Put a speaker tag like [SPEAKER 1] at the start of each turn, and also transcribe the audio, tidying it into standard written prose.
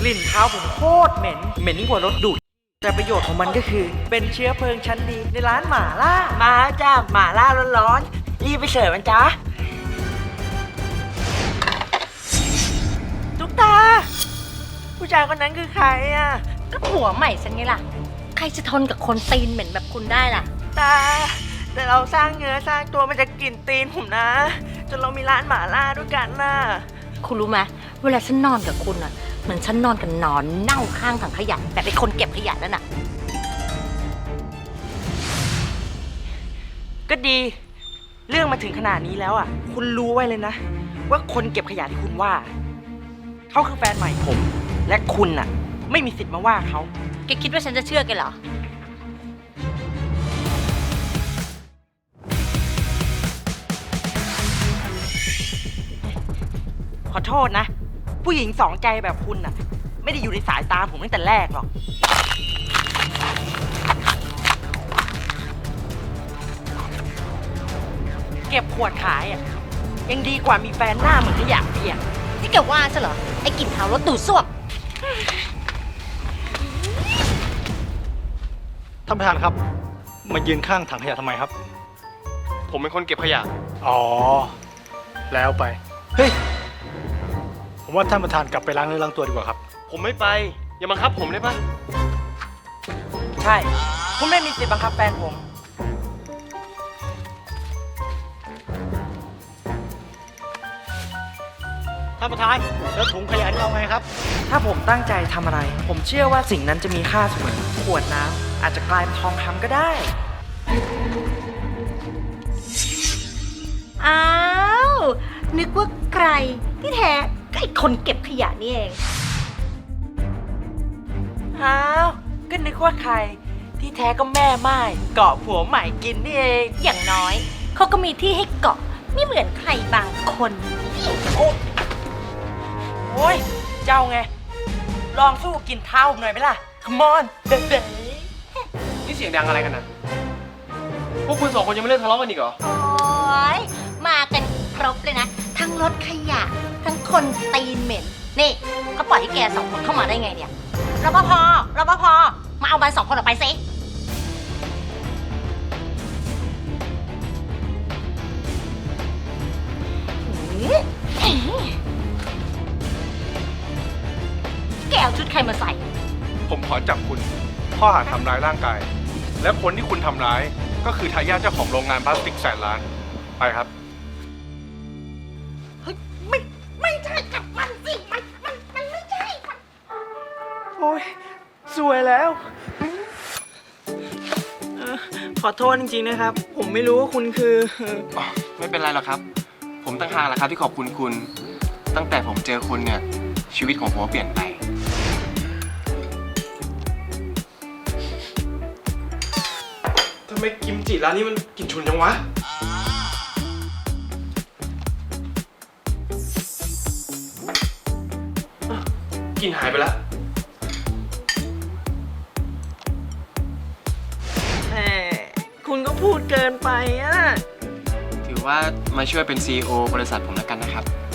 [SPEAKER 1] ลิ่นเท้าผมโคตรเหม็นยิ่งกว่ารถดูดแต่ประโยชน์ของมันก็คือเป็นเชื้อเพลิงชั้นดีในร้านหม่าล่ามาจ้าหม่าล่าร้อนๆรีบไปเสิร์ฟมันจ้าตุ๊กตาผู้ชายคนนั้นคือใครอ่ะ
[SPEAKER 2] ก็ผัวใหม่ฉันไงล่ะใครจะทนกับคนตีนเหม็นแบบคุณได้ล่ะ
[SPEAKER 1] ตาแต่เราสร้างเนื้อสร้างตัวมันจะกลิ่นตีนผมนะจนเรามีร้านหม่าล่าด้วยกันน่ะ
[SPEAKER 2] คุณรู้ไหมเวลาฉันนอนกับคุณอ่ะเหมือนฉันนอนกับนอนเน่าข้างถังขยะแบบเป็นคนเก็บขยะนั่นน่ะ
[SPEAKER 1] ก็ดีเรื่องมาถึงขนาดนี้แล้วอ่ะคุณรู้ไว้เลยนะว่าคนเก็บขยะที่คุณว่าเขาคือแฟนใหม่ผมและคุณน่ะไม่มีสิทธิ์มาว่าเขา
[SPEAKER 2] แกคิดว่าฉันจะเชื่อแกเหรอ
[SPEAKER 1] ขอโทษนะผู้หญิงสองใจแบบคุณน่ะไม่ได้อยู่ในสายตาผมตั้งแต่แรกหรอกเก็บขวดขายอ่ะยังดีกว่ามีแฟนหน้าเหมือนขยะเปียก
[SPEAKER 2] ที่แกว่าซะเหรอไอ้กลิ่นเท้ารถดูดซ่วม
[SPEAKER 3] ท่านประธานครับมายืนข้างถังขยะทำไมครับ
[SPEAKER 4] ผมเป็นคนเก็บขยะ
[SPEAKER 3] อ๋อแล้วไปเฮ้ยผมว่าท่านประธานกลับไปล้างเนื้อล้างตัวดีกว่าครับ
[SPEAKER 4] ผมไม่ไปอย่าบังคับผมได้ปะ
[SPEAKER 1] ใช่คุณไม่มีสิทธิ์บังคับแฟนผม
[SPEAKER 3] ท่านประธานแล้วถุงขยะนี่เอาไงครับ
[SPEAKER 1] ถ้าผมตั้งใจทำอะไรผมเชื่อว่าสิ่งนั้นจะมีค่าเสมอขวดน้ำอาจจะกลายเป็นทองคำก็ได้
[SPEAKER 2] อ้าวนึกว่าใครที่แท้ก็ไอ้คนเก็บขยะนี่เอง
[SPEAKER 1] อ้าวก็นึกว่าใครที่แท้ก็แม่ไม้เกาะผัวใหม่กินนี่เอง
[SPEAKER 2] อย่างน้อยเขาก็มีที่ให้เกาะไม่เหมือนใครบางคน
[SPEAKER 1] โอ้ยเจ้าไงลองสู้กินเท้าหน่อยไหมล่ะ Come on เด็ด
[SPEAKER 4] นี่เสียงดังอะไรกันนะพวกคุณสองคนยังไม่เลิกทะเลาะกันอีกเหรอ
[SPEAKER 2] โอ้ยมากันครบเลยนะทั้งรถขยะทั้งคนตีนเหม็นนี่เขาปล่อยให้แกสองคนเข้ามาได้ไงเนี่ยรปภมาเอามันสองคนออกไปสิแกเอาชุดใครมาใส่
[SPEAKER 4] ผมขอจับคุณข้อหาทำร้ายร่างกายและคนที่คุณทำร้ายก็คือทายาทเจ้าของโรงงานพลาสติกแสนล้านไปครับ
[SPEAKER 2] เฮ้ยไม่ใช่กับมันสิมันไม่ใช่
[SPEAKER 1] โอ้ยสวยแล้วขอโทษจริงๆนะครับ ผมไม่รู้ว่าคุณคือ
[SPEAKER 4] ไม่เป็นไรหรอกครับผมตั้งหากแหละครับที่ขอบคุณคุณตั้งแต่ผมเจอคุณเนี่ยชีวิตของผมเปลี่ยนไปทำไมกิมจิร้านนี้มันกลิ่นฉุนจังวะกลิ่นหายไปแล้ว
[SPEAKER 1] คุณก็พูดเกินไปอ่ะ
[SPEAKER 4] ถือว่ามาช่วยเป็น CEO บริษัทผมแล้วกันนะครับ